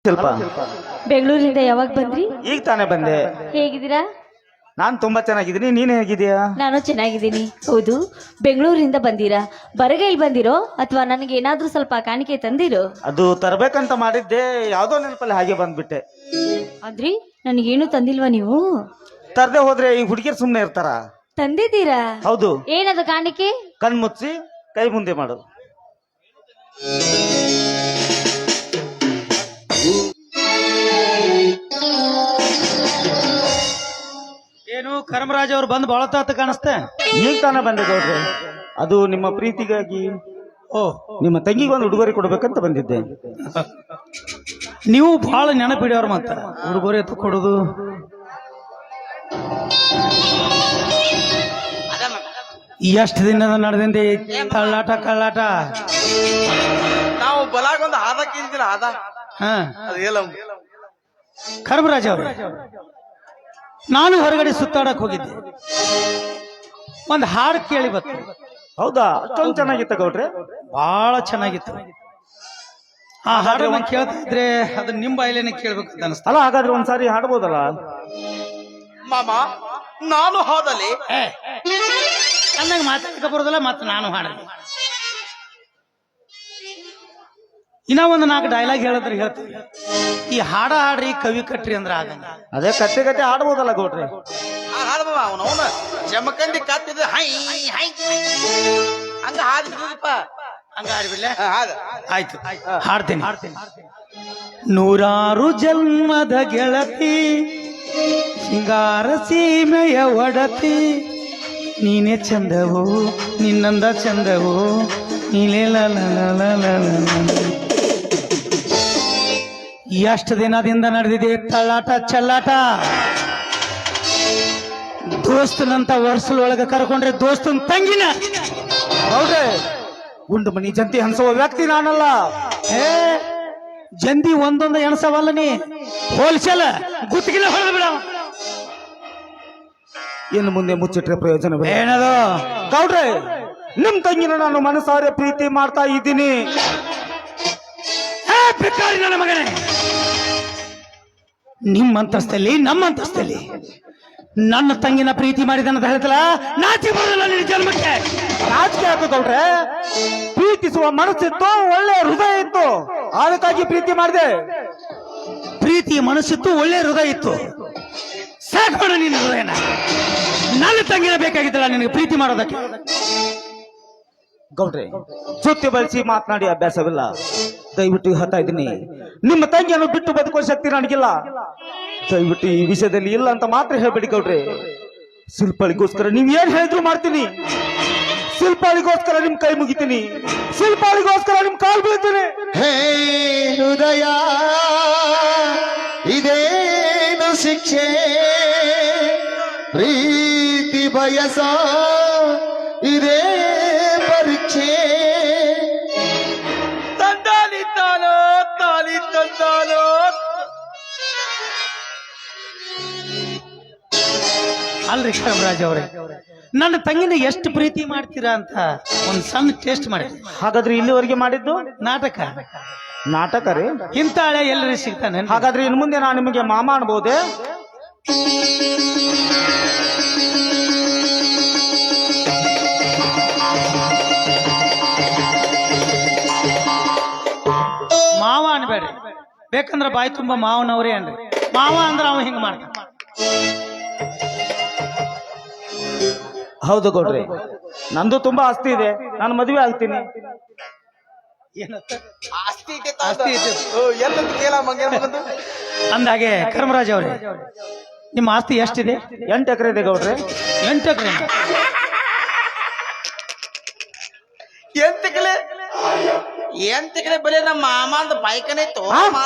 ಸ್ವಲ್ಪ ಬೆಂಗಳೂರಿಂದ ಯಾವಾಗ ಬಂದ್ರಿ? ಈಗ ತಾನೇ ಬಂದೆ. ಹೇಗಿದ್ದೀರಾ? ನಾನು ತುಂಬಾ ಚೆನ್ನಾಗಿದ್ದೀನಿ. ನೀನ್ ಹೇಗಿದ್ದೀಯಾ? ನಾನು ಚೆನ್ನಾಗಿದ್ದೀನಿ. ಹೌದು, ಬೆಂಗಳೂರಿಂದ ಬಂದಿರಾ? ಬರಗೈಲ್ ಬಂದಿರೋ ಅಥವಾ ನನಗೆ ಏನಾದ್ರೂ ಸ್ವಲ್ಪ ಕಾಣಿಕೆ ತಂದಿರೋ? ಅದು ತರಬೇಕಂತ ಮಾಡಿದ್ದೆ, ಯಾವ್ದೋ ನೆನಪಲ್ಲಿ ಹಾಗೆ ಬಂದ್ಬಿಟ್ಟೆ. ಆದ್ರಿ ನನಗೇನು ತಂದಿಲ್ವಾ ನೀವು? ತರದೆ ಹೋದ್ರೆ ಈ ಹುಡುಗಿಯರು ಸುಮ್ನೆ ಇರ್ತಾರ? ತಂದಿದ್ದೀರಾ? ಹೌದು. ಏನದು ಕಾಣಿಕೆ? ಕಣ್ಮುಚ್ಚಿ ಕೈ ಮುಂದೆ ಮಾಡು. ಏನು ಕರ್ಮರಾಜ್ ಅವ್ರು ಬಂದು ಬಹಳ ತಾತ ಕಾಣಿಸ್ತೆ. ಈಗ ತಾನೇ ಬಂದೆ ಗೌಡ್ರೆ. ಅದು ನಿಮ್ಮ ಪ್ರೀತಿಗಾಗಿ ಓ, ನಿಮ್ಮ ತಂಗಿಗೆ ಒಂದು ಉಡುಗೊರೆ ಕೊಡ್ಬೇಕಂತ ಬಂದಿದ್ದೆ. ನೀವು ಬಹಳ ನೆನಪಿಡ್ಯವ್ರ ಮತ್ತ ಉಡುಗೊರೆ ಎತ್ತು ಕೊಡುದು. ಎಷ್ಟು ದಿನದ ನಡೆದಿಂದೆ ತಳ್ಳಾಟ ಕಳ್ಳಾಟ. ನಾವು ಬಲಾಗೊಂದು ಹಾದಕ್ಕಿಂತಿಲ್ಲ ಹಾದ ಹಾ, ಅದೇಲ ಕರ್ಮರಾಜ್ ಅವ್ರೆ, ನಾನು ಹೊರಗಡೆ ಸುತ್ತಾಡಕ್ ಹೋಗಿದ್ದೆ. ಒಂದ್ ಹಾಡು ಕೇಳಿ ಬತ್ತು. ಹೌದಾ? ಅಷ್ಟೊಂದು ಚೆನ್ನಾಗಿತ್ತ ಗೌಡ್ರೆ? ಬಹಳ ಚೆನ್ನಾಗಿತ್ತು. ಆ ಹಾಡನ್ನ ಕೇಳ್ತಾ ಇದ್ರೆ ಅದು ನಿಮ್ಮ ಬಾಯಲೇನೆ ಕೇಳ್ಬೇಕಂತ ಅನಿಸ್ತ. ಅಲ್ಲ, ಹಾಗಾದ್ರೆ ಒಂದ್ಸಾರಿ ಹಾಡ್ಬೋದಲ್ಲ? ಮಾಮ ನಾನು ಹಾದಲ್ಲಿ ಚೆನ್ನಾಗಿ ಮಾತಾಡಕ ಬರೋದಲ್ಲ, ಮತ್ತೆ ನಾನು ಹಾಡಲಿ. ಇನ್ನ ಒಂದು 4 ಡೈಲಾಗ್ ಹೇಳಿದ್ರೆ ಹೇಳ್ತೀವಿ. ಈ ಹಾಡ ಹಾಡ್ರಿ ಕವಿ ಕಟ್ರಿ ಅಂದ್ರೆ ಆಗಂಗ. ಅದೇ ಕತ್ತೆ ಕತೆ ಹಾಡ್ಬೋದಲ್ಲ ಗೌಡ್ರೆ? ಹಾದ ಅವನು ಅವನ ಜಮಕಂದಿ ಕಾತಿದ್ರೆ ಹೈ ಹೈ ಹಂಗ ಹಾದ್ಬಿಡಪ್ಪ. ಹಂಗ ಹಾಡ್ಬಿಡ್ಲೆ? ಹಾದ ಆಯ್ತು, ಹಾಡ್ತೇನೆ. ನೂರಾರು ಜನ್ಮದ ಗೆಳತಿ, ಸಿಂಗಾರ ಸೀಮೆಯ ಒಡತಿ, ನೀನೇ ಚಂದವು ನಿನ್ನಂದ ಚಂದವು, ನೀಲೇ ಎಷ್ಟು ದಿನದಿಂದ ನಡೆದಿದೆ ತಳ್ಳಾಟ ಚಲ್ಲಾಟ. ದೋಸ್ತನಂತ ವರ್ಷದೊಳಗೆ ಕರ್ಕೊಂಡ್ರೆ ದೋಸ್ತನ ತಂಗಿನ. ಗೌಡ್ರೆ, ಗುಂಡು ಮನಿ ಜಂತಿ ಹಂಸುವ ವ್ಯಕ್ತಿ ನಾನಲ್ಲ. ಏ ಜಂದಿ ಒಂದೊಂದು ಎಣಸವಲ್ಲ, ನೀ ಹೋಲ್ಸೇಲ್ ಗುತ್ತಿಗೆಲ್ಲ ಹೊಡೆದು ಬಿಡ. ಇನ್ನು ಮುಂದೆ ಮುಚ್ಚಿಟ್ರೆ ಪ್ರಯೋಜನ ಏನದು ಗೌಡ್ರೆ? ನಿಮ್ ತಂಗಿನ ನಾನು ಮನಸಾರೆ ಪ್ರೀತಿ ಮಾಡ್ತಾ ಇದ್ದೀನಿ. ಬೇಕಾರಿ ನನ್ನ ಮಗನೇ, ನಿಮ್ಮ ಅಂತಸ್ತಲ್ಲಿ ನಮ್ಮ ಅಂತಸ್ತಲ್ಲಿ ನನ್ನ ತಂಗಿನ ಪ್ರೀತಿ ಮಾಡಿದನ್ನದ ಹೇಳ್ತಲ್ಲ, ನಾಚಿ ಬರೋದಿಲ್ಲ ನಿನ್ನ ಜನ್ಮಕ್ಕೆ. ನಾಚಿಕೆ ಆಯ್ತು ಗೌಡ್ರೆ. ಪ್ರೀತಿಸುವ ಮನಸ್ಸಿತ್ತು, ಒಳ್ಳೆ ಹೃದಯ ಇತ್ತು, ಅದಕ್ಕಾಗಿ ಪ್ರೀತಿ ಮಾಡಿದೆ. ಪ್ರೀತಿ ಮನಸ್ಸಿತ್ತು, ಒಳ್ಳೆ ಹೃದಯ ಇತ್ತು, ಸಾಕೋಣ ನಿನ್ನ ಹೃದಯನ. ನನ್ನ ತಂಗಿನ ಬೇಕಾಗಿದ್ದಲ್ಲ ನಿನಗೆ ಪ್ರೀತಿ ಮಾಡೋದಕ್ಕೆ. ಗೌಡ್ರೆ, ಸುತ್ತಿ ಬಳಸಿ ಮಾತನಾಡಿ ಅಭ್ಯಾಸವಿಲ್ಲ. ದಯವಿಟ್ಟು ಹೇಳ್ತಾ ಇದ್ದೀನಿ, ನಿಮ್ಮ ತಂಗಿಯನ್ನು ಬಿಟ್ಟು ಬದುಕುವ ಶಕ್ತಿ ನನಗಿಲ್ಲ. ದಯವಿಟ್ಟು ಈ ವಿಷಯದಲ್ಲಿ ಇಲ್ಲ ಅಂತ ಮಾತ್ರ ಹೇಳ್ಬೇಡಿ ಗೌಡ್ರೆ. ಶಿಲ್ಪಾಳಿಗೋಸ್ಕರ ನೀವ್ ಏನ್ ಹೇಳಿದ್ರು ಮಾಡ್ತೀನಿ. ಶಿಲ್ಪಾಳಿಗೋಸ್ಕರ ನಿಮ್ ಕೈ ಮುಗಿತೀನಿ. ಶಿಲ್ಪಾಳಿಗೋಸ್ಕರ ನಿಮ್ ಕಾಲ್ ಬೀಳ್ತೀನಿ. ಹೇ ಹೃದಯ, ಇದೇನು ಶಿಕ್ಷೆ? ಪ್ರೀತಿ ಬಯಸ ಇದೇ ಪರೀಕ್ಷೆ. ತಂದಾಲಿದ್ದಾನೋ ತಾಲಿ ತಂದಾನೋ. ಅಲ್ರಿ ಕರ್ಮರಾಜ್ ಅವರೇ, ನನ್ನ ತಂಗಿನ ಎಷ್ಟು ಪ್ರೀತಿ ಮಾಡ್ತೀರಾ ಅಂತ ಒಂದ್ ಸಣ್ಣ ಟೇಸ್ಟ್ ಮಾಡಿ. ಹಾಗಾದ್ರೆ ಇಲ್ಲಿವರೆಗೆ ಮಾಡಿದ್ದು ನಾಟಕ ನಾಟಕ ರೀ? ಇಂಥ ಹಳೆ ಎಲ್ಲರೂ ಸಿಗ್ತಾನೆ. ಹಾಗಾದ್ರೆ ಇನ್ನು ಮುಂದೆ ನಾನು ನಿಮಗೆ ಮಾಮ ಅನ್ಬೋದೆ? ಮಾವ ಅನ್ಬೇಡ್ರಿ, ಬೇಕಂದ್ರ ಬಾಯಿ ತುಂಬಾ ಮಾವನವ್ರೇ ಅನ್ರಿ. ಮಾವ ಅಂದ್ರ ಅವ ಹಿಂಗ ಮಾಡ್ತಾನ. ಹೌದು ಗೌಡ್ರೆ, ನಂದು ತುಂಬಾ ಆಸ್ತಿ ಇದೆ, ನಾನು ಮದುವೆ ಆಗ್ತೀನಿ. ಆಸ್ತಿ ಇದೆ ಆಸ್ತಿ ಇದೆ. ಎಲ್ಲಂತ ಕೇಳ ಮಂಗೆ ಮಗಂದು. ಅಂದಾಗೆ ಕರ್ಮರಾಜ್ ಅವರೇ, ನಿಮ್ಮ ಆಸ್ತಿ ಎಷ್ಟಿದೆ? 8 ಎಕರೆ ಇದೆ ಗೌಡ್ರೆ. 8 ಎಕರೆ. ಎಂತಕಡೆ ಬಲೆ ನಮ್ಮ ಮಾಮ ಅಂತ ಬೈಕನೇ ಇತ್ತು.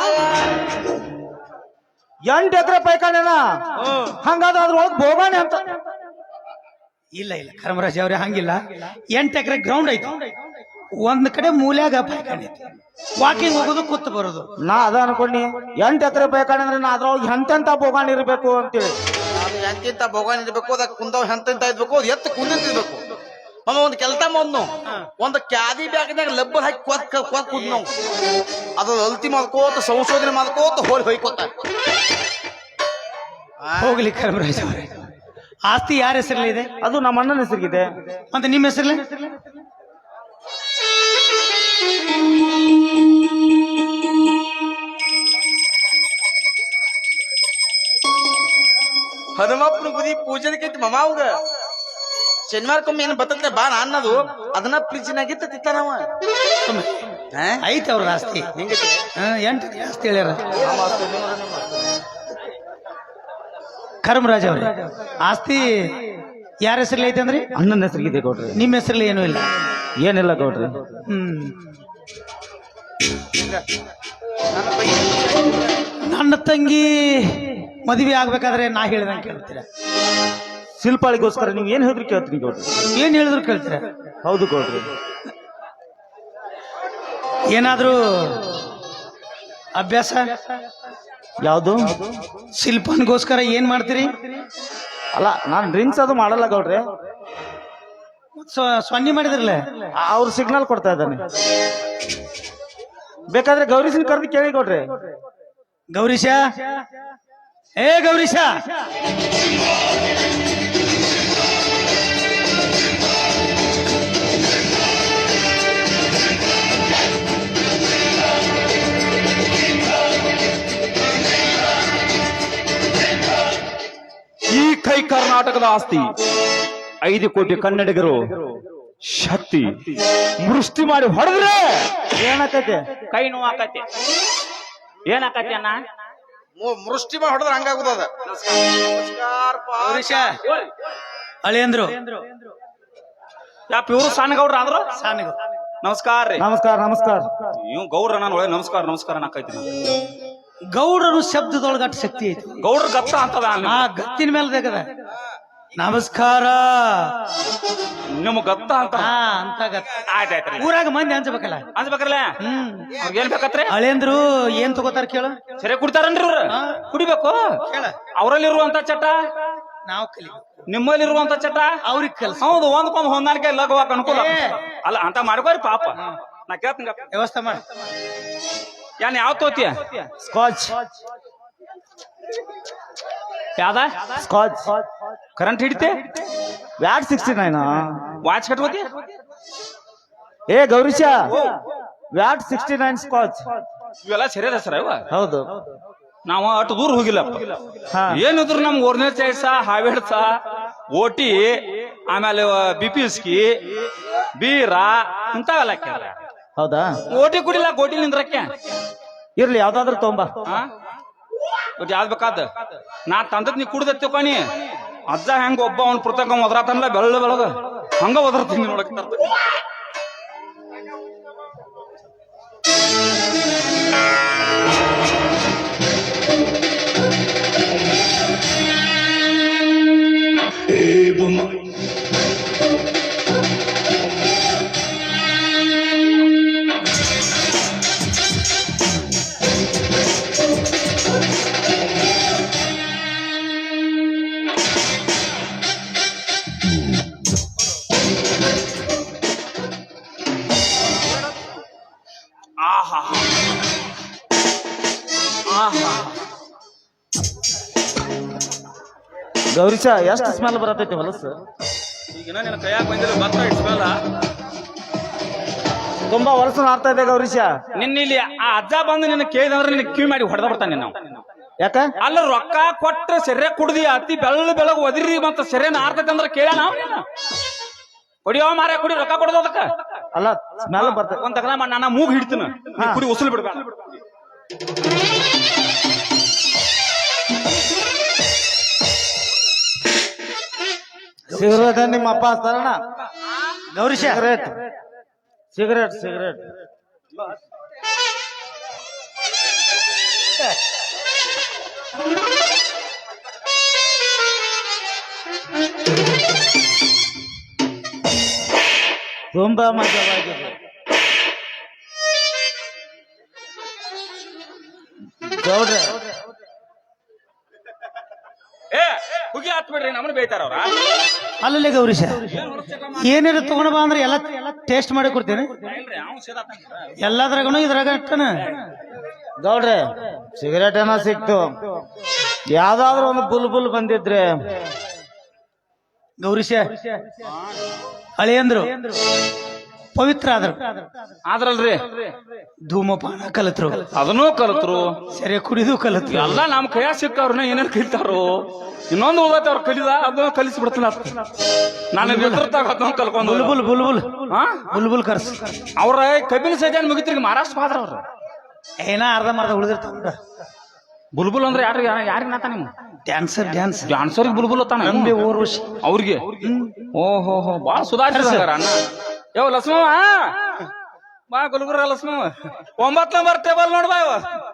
8 ಎಕರೆ ಪೈಕಾಣೆನಾ? ಹಂಗಾದ್ರೆ ಅದ್ರೊಳಗೆ ಬೋಗಾಣೆ ಅಂತ? ಇಲ್ಲ ಇಲ್ಲ ಕರ್ಮರಾಜ್ ಅವ್ರೆ, ಹಂಗಿಲ್ಲ. 8 ಎಕರೆ ಗ್ರೌಂಡ್ ಐತಿ, ಒಂದ್ ಕಡೆ ಮೂಲ್ಯಾಗ ಪೈಕಾಣಿ ಐತಿ. ವಾಕಿಂಗ್ ಹೋಗೋದು, ಕೂತ್ ಬರೋದು. ನಾ ಅದ ಅನ್ಕೊಂಡಿ 8 ಎಕರೆ ಪೈಕಾಣೆ ಅಂದ್ರೆ ನಾ ಅದ್ರೊಳಗೆ ಎಂತೆಂತ ಬೋಗಾಣಿ ಇರ್ಬೇಕು ಅಂತೇಳಿ. ಎಂತಿಂತ ಭಗವಾನ್ ಇರ್ಬೇಕು, ಅದ ಕುಂದವ್ ಎಂತಿಂತ ಇರ್ಬೇಕು, ಅದು ಎತ್ತು ಕುಂದಿರ್ಬೇಕು. ಒಂದು ಕೆಲಸ ಒಂದು ಕ್ಯಾದಿ ಬ್ಯಾಗ್ನಾಗ ಲಬ್ಬರ್ ಹಾಕಿ ಕೊತ್ ಕುದ್ ನಾವು ಅದು ಅಲ್ತಿ ಮಾಡ್ಕೋತ ಸಂಶೋಧನೆ ಮಾಡ್ಕೋತ ಹೊಯ್ಕೋತ ಹೋಗ್ಲಿ ಕರ್ಮರಾಜ್ ಅವರೇ, ಆಸ್ತಿ ಯಾರ ಹೆಸರಲ್ಲಿ ಇದೆ? ಅದು ನಮ್ಮ ಅಣ್ಣನ ಹೆಸರಿಗಿದೆ. ಮತ್ತೆ ನಿಮ್ಮ ಹೆಸರಲ್ಲಿ? ಹನುಮಪ್ಪನ ಗುದಿ ಪೂಜೆದಕ್ಕೆ ಮಮಾವ್ಗ ಶನಿವಾರಕ್ಕೊಮ್ಮೆ ಏನು ಬರ್ತದೆ ಬಾ ಅನ್ನೋದು ಅದನ್ನ ಫ್ರಿಜ್ನಾಗಿತ್ತ ತಿತ್ತಾನವ. ಐತೆ ಅವ್ರ ಆಸ್ತಿ ಹೆಂಗೈತಿ? 8 ಆಸ್ತಿ ಹೇಳ್ಯಾರ. ಕರ್ಮರಾಜ್ ಅವ್ರೆ, ಆಸ್ತಿ ಯಾರ ಹೆಸರಲ್ಲಿ ಐತೆ ಅಂದ್ರಿ? ಅಣ್ಣನ ಹೆಸರಿಗಿದೆ ಗೌಡ್ರಿ. ನಿಮ್ಮ ಹೆಸರಲ್ಲಿ ಏನೂ ಇಲ್ಲ? ಏನಿಲ್ಲ ಗೌಡ್ರಿ. ನನ್ನ ತಂಗಿ ಮದುವೆ ಆಗ್ಬೇಕಾದ್ರೆ ನಾ ಹೇಳಿದಂಗೆ ಕೇಳ್ತೀರ? ಶಿಲ್ಪಾಳಿಗೋಸ್ಕರ ನೀವು ಏನ್ ಹೇಳಿದ್ರು ಕೇಳ್ತೀನಿ ಗೌಡ್ರಿ. ಏನ್ ಹೇಳಿದ್ರು ಕೇಳ್ತೀರ? ಹೌದು ಗೌಡ್ರಿ. ಏನಾದ್ರೂ ಅಭ್ಯಾಸ? ಯಾವುದು? ಶಿಲ್ಪನ್ಗೋಸ್ಕರ ಏನ್ ಮಾಡ್ತೀರಿ? ಅಲ್ಲ, ನಾನ್ ಡ್ರಿಂಕ್ಸ್ ಅದು ಮಾಡಲ್ಲ ಗೌಡ್ರಿ. ಸೊನ್ನೆ ಮಾಡಿದ್ರಲ್ಲ, ಅವ್ರು ಸಿಗ್ನಲ್ ಕೊಡ್ತಾ ಇದ್ದಾನೆ. ಬೇಕಾದ್ರೆ ಗೌರೀಶನ್ ಕರೆದು ಕೇಳಿ ಗೌಡ್ರಿ. ಗೌರೀಶ, ಏ ಗೌರೀಶ, ಈ ಕೈ ಕರ್ನಾಟಕದ ಆಸ್ತಿ 5 ಕೋಟಿ ಕನ್ನಡಿಗರು ಶಕ್ತಿ ಮುಷ್ಟಿ ಮಾಡಿ ಹೊಡೆದ್ರೆ ಏನಾಕೈತೆ? ಕೈ ನೋವಾಕತಿ. ಏನಾಕತಿ ಅಣ್ಣ? ಮುಷ್ಟಿ ಮಾಡಿ ಹೊಡೆದ್ರೆ ಹಂಗಾಗುದದ. ಗೌರೀಶ ಅಳಿಯಂದ್ರು ಯಾ ಇವರು ಸಣ್ಣಗೌಡ್ರ ಆದ್ರು ಸಾನಿಗು ನಮಸ್ಕಾರ ರೀ. ನಮಸ್ಕಾರ ನಮಸ್ಕಾರ. ನೀವು ಗೌಡ್ರ ನಾನು ಒಳ್ಳೆ ನಮಸ್ಕಾರ ನಮಸ್ಕಾರ ನಾಕೈತಿ. ಗೌಡರು ಶಬ್ದದೊಳಗ ಅಷ್ಟು ಶಕ್ತಿ ಐತಿ. ಗೌಡ್ರ ಗತ್ತ ಅಂತದ ಆ ಗತ್ತಿನ ಮೇಲೆ ತೆಗದ ನಮಸ್ಕಾರ ನಿಮ್ ಗತ್ತ ಅಂತ. ಅಂತ ಗತ್ತ. ಆಯ್ತಾಯ್ತ್ರಿ. ಊರಾಗ ಮಂದಿ ಅನ್ಸ್ಬೇಕಲ್ಲ. ಅನ್ಸ್ಬೇಕ್ರಲ್ಲ. ಏನ್ ಬೇಕತ್ರಿ? ಅಳಿಯಂದ್ರು ಏನ್ ತಗೋತಾರ ಕೇಳು? ಸರಿ ಕುಡಿತಾರನ್ರಿ ಇವ್ರ? ಕುಡಿಬೇಕು. ಅವರಲ್ಲಿರುವಂತ ಚಟ ನಾವು ಕಲಿ, ನಿಮ್ಮಲ್ಲಿರುವಂತ ಚಟ ಅವ್ರಿಗೆ ಕಲ್ಸ. ಹೌದು, ಒಂದ್ಕೊಂದ್ ಹೊಂದಾಣಿಕೆ ಲಘುವಾಕ ಅನುಕೂಲ ಅಲ್ಲ ಅಂತ ಮಾಡ್ಕೋರಿ ಪಾಪ. ನಾ ಕೇಳ್ತೀನಿ ವ್ಯವಸ್ಥೆ ಮಾಡಿ. ಏನ್ ಯಾವ ತೋತಿಯ? ಸ್ಕಾಚ್. ಯಾವ್ದ? ಸ್ಕಾಚ್. ಕರೆಂಟ್ ಹಿಡಿತೆ? ವ್ಯಾಟ್ 69. ವಾಚ್ ಕಟ್ಕೋತಿ? ಏ ಗೌರೀಶ, ವ್ಯಾಟ್ 69 ಸ್ಕಾಚ್. ಇವೆಲ್ಲ ಸರಿಯಾದ ಹೆಸರ ಇವ? ಹೌದು. ನಾವ ಅಷ್ಟು ದೂರ ಹೋಗಿಲ್ಲಪ್ಪ. ಹಾ. ಏನಿದ್ರು ನಮ್ಗೆ ಒರಿಜಿನಲ್ ಚಾಯ್ಸ, ಹಾವೇಡ್ಸ, ಓಟಿ, ಆಮೇಲೆ ಬಿಪಿಸ್ಕಿ, ಬೀರ ಇಂಥವೆಲ್ಲ ಕೇಳ. ಹೌದಾ? ಓಟಿ ಕುಡಿಲ್ಲ, ಗೋಟಿ ನಿಂದ್ರಕ್ಕೆ. ಇರ್ಲಿ, ಯಾವ್ದಾದ್ರು ತೊಂಬ. ಒಟ್ಟು ಯಾವ್ದು ಬೇಕಾದ ನಾ ತಂದದ್ ನೀ ಕುಡ್ದ ತಿಳ್ಕೊನಿ. ಅಜ್ಜ ಹೆಂಗ ಒಬ್ಬ ಅವ್ನ ಪುಸ್ತಕ ಒದರಾತಲ್ಲ ಬೆಳ್ಳ ಬೆಳಗ ಹಂಗ ಒದರ್ತೀನಿ ನೋಡಕ್. ಆಹಾ ಆಹಾ. ಗೌರೀಶ, ಎಷ್ಟು ಸ್ಮೆಲ್ ಬರತೈತಿ ಹೊಲಸು. ಈಗ ನಿನ್ನ ಕೈಯಾಗ ಬಂದಿಲ್ಲ ಭತ್ತ ಇಟ್ಸ್ಮೇಲ ತುಂಬಾ ಹೊಲಸು ನಾಡ್ತಾ ಇದೆ ಗೌರೀಶ. ನಿನ್ನ ಇಲ್ಲಿ ಆ ಅಜ್ಜ ಬಂದು ನಿನ್ನ ಕೇಳಿದಂದ್ರೆ ನಿನ್ನ ಕಿವಿ ಮಾಡಿ ಹೊಡೆದ ಬರ್ತಾನೆ ನಾವು. ಯಾಕ? ಅಲ್ಲ ರೊಕ್ಕ ಕೊಟ್ರೆ ಸೆರೆ ಕುಡ್ದಿ ಅತಿ ಬೆಳಗ್ ಒದಿರಿ ಮತ್ತ ಸೆರೆ ನಾರ್ತೈತೆ ಅಂದ್ರೆ ಕೇಳ ನಾವು ಕುಡಿಯೋ ಮಾರ ಕುಡಿ ರೊಕ್ಕ ಕೊಡೋದು ಅದಕ್ಕ. ಅಲ್ಲ, ಸ್ಮೆಲ್ ಬರ್ತೈತಿ. ಒಂದ್ ತಗಲ ನಾನು ಮೂಗ್ ಹಿಡ್ತೀನಿ, ಕುಡಿ ಉಸುಲ್ ಬಿಡ್ಬೇಡ. ಸಿಗರೇಟ್ ನಿಮ್ಮ ಅಪ್ಪ ಹಚ್ತಾರಣ? Gourish, cigarette cigarette cigarette. ತುಂಬಾ ಮಜವಾಗಿದೆ ಗೌಡ್ರೆ. ಹುಗಿ ಹತ್ ಬಿಡ್ರಿ ನಮ್ಮನ್ನ ಬೇಯ್ತಾರ ಅವ್ರ ಅಲ್ಲಲ್ಲೇ ಗೌರೀಶ ಏನಾರು ತಗೊಂಡ್ ಬಾ ಅಂದ್ರೆ ಎಲ್ಲ ಟೇಸ್ಟ್ ಮಾಡಿ ಕೊಡ್ತೇನೆ ಎಲ್ಲದ್ರಾಗನು ಇದ್ರಾಗ ಇಟ್ಟನ ಗೌಡ್ರೆ ಸಿಗರೇಟ್ ಏನೋ ಸಿಕ್ತು ಯಾವ್ದಾದ್ರು ಒಂದು ಬುಲ್ ಬಂದಿದ್ರೆ ಗೌರೀಶ ಹಳೆಯಂದ್ರು ಪವಿತ್ರ ಆದ್ರು ಆದ್ರಲ್ರಿ ಧೂಮಪಾನ ಕಲತ್ರು ಅದನ್ನೂ ಕಲತ್ರು ಸರಿ ಕುಡಿದು ಕಲತ್ರು ಎಲ್ಲ ನಮ್ ಕೈಯಾಗ ಸಿಕ್ಕವ್ರನ್ನ ಏನೇನ್ ಕಲಿತಾರೋ ಇನ್ನೊಂದು ಉಳ್ದೈತೆ ಅವ್ರು ಕಲಿದ ಅದನ್ನ ಕಲಿಸಿ ಬಿಡ್ತೀನಿ ನಾನು ಅದನ್ನ ಕಲ್ಕೊಂಡು ಬುಲ್ಬುಲ್ ಬುಲ್ಬುಲ್ ಹಾ ಬುಲ್ಬುಲ್ ಕರ್ಸ್ ಅವ್ರ ಕಬ್ಬಿನ ಸಜ್ಜಾನ್ ಮುಗಿತ್ರಿ ಮಹಾರಾಷ್ಟ್ರ ಹೋದ್ರ ಅವ್ರ ಏನ ಅರ್ಧ ಉಳಿದಿರ್ತಾವ ಬುಲ್ಬುಲ್ ಅಂದ್ರೆ ಯಾರಿಗೆ ನಾತ ನಿಮ್ಮ ಡ್ಯಾನ್ಸ್ ಡಾನ್ಸರ್ಗೆ ಬುಲ್ಬುಲ್ ಅತ್ತಾನ ನಂಬಿ ಊರ್ವಶಿ ಅವ್ರಿಗೆ ಓಹೋ ಬಾಳ ಸುಧಾರಿಸಿದಾರ ಅಣ್ಣ ಯಾವ ಲಕ್ಷ್ಮವ ಬಾ ಗುಲ್ಗುರ ಲಕ್ಷ್ಮವ 9 ನಂಬರ್ ಟೇಬಲ್ ನೋಡ್ಬಾ